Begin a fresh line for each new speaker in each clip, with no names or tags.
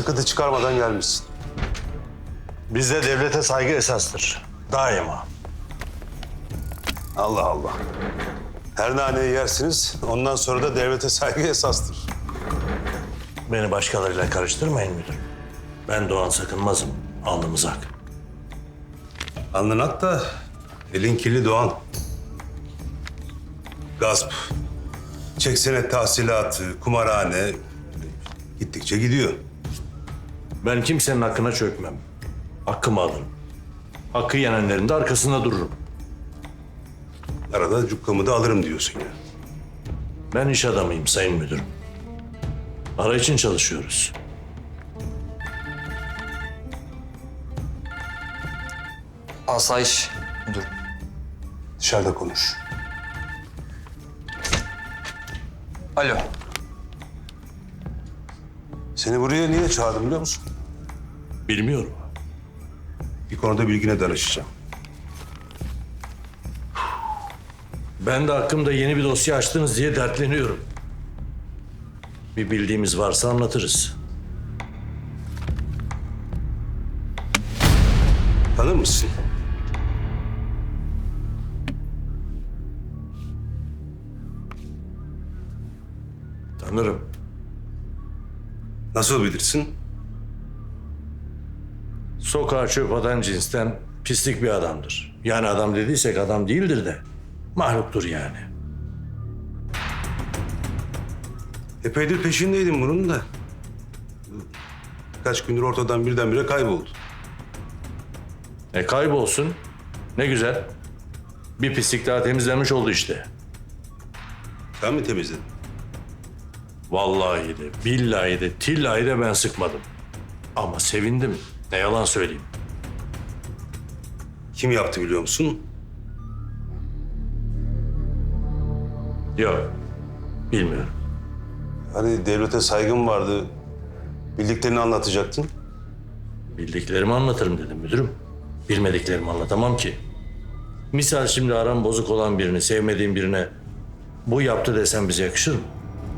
sıkıntı çıkarmadan gelmişsin.
Bizde devlete saygı esastır. Daima.
Allah Allah. Her naneyi yersiniz, ondan sonra da devlete saygı esastır.
Beni başkalarıyla karıştırmayın müdürüm. Ben Doğan Sakınmaz'ım. Alnımız ak.
Alnın ak da elin kirli Doğan. Gasp, çek senet tahsilatı, kumarhane gittikçe gidiyor.
Ben kimsenin hakkına çökmem. Hakkımı alırım. Hakkı yenenlerin de arkasında dururum.
Arada cukkamı da alırım diyorsun ya.
Ben iş adamıyım sayın müdürüm. Para için çalışıyoruz.
Asayiş müdürüm.
Dışarıda konuş.
Alo.
Seni buraya niye çağırdım biliyor musun?
Bilmiyorum.
Bir konuda bilgine danışacağım.
Ben de hakkımda yeni bir dosya açtınız diye dertleniyorum. Bir bildiğimiz varsa anlatırız.
Tanır mısın?
Tanırım.
Nasıl bilirsin?
Sokağa çöp atan cinsten pislik bir adamdır. Yani adam dediysek adam değildir de mahluktur yani.
Epeydir peşindeydim bunun da. Kaç gündür ortadan birdenbire kayboldu.
Kaybolsun. Ne güzel. Bir pislik daha temizlenmiş oldu işte.
Sen mi temizledin?
Vallahi de, billahi de, tillahi de ben sıkmadım. Ama sevindim. Ne yalan söyleyeyim.
Kim yaptı biliyor musun?
Yok. Bilmiyorum.
Hani devlete saygın vardı. Bildiklerini anlatacaktın.
Bildiklerimi anlatırım dedim müdürüm. Bilmediklerimi anlatamam ki. Misal şimdi aram bozuk olan birini, sevmediğim birine bu yaptı desem bize yakışır mı?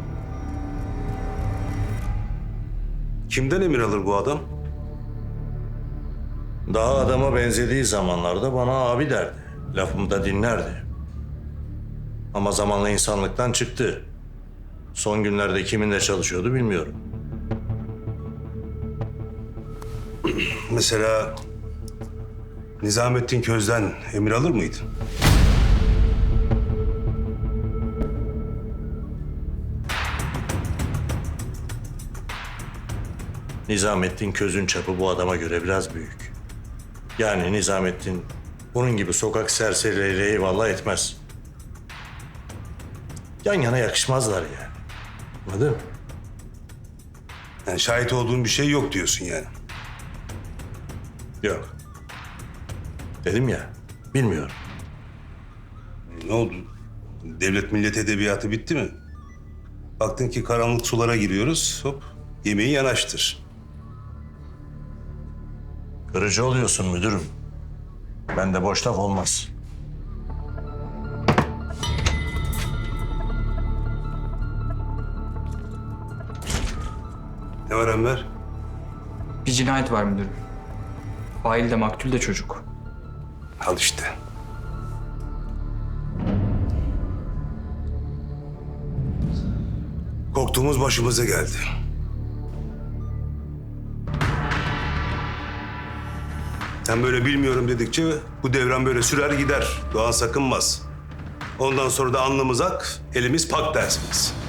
Kimden emir alır bu adam?
Daha adama benzediği zamanlarda bana abi derdi. Lafımı da dinlerdi. Ama zamanla insanlıktan çıktı. Son günlerde kiminle çalışıyordu bilmiyorum.
Mesela Nizamettin Köz'den emir alır mıydın?
Nizamettin Köz'ün çapı bu adama göre biraz büyük. Yani Nizamettin bunun gibi sokak serserileriyle eyvallah etmez. Yan yana yakışmazlar yani. Anladın mı?
Yani şahit olduğun bir şey yok diyorsun yani.
Yok. Dedim ya, bilmiyorum.
Ne oldu? Devlet millet edebiyatı bitti mi? Baktın ki karanlık sulara giriyoruz, hop yemeği yanaştır.
Kırıcı oluyorsun müdürüm. Bende boş laf olmaz.
Ne var Enver?
Bir cinayet var müdürüm. Fail de maktul de çocuk.
Al işte. Korktuğumuz başımıza geldi. Sen böyle bilmiyorum dedikçe bu devran böyle sürer gider. Doğan Sakınmaz. Ondan sonra da alnımız ak, elimiz pak dersiniz.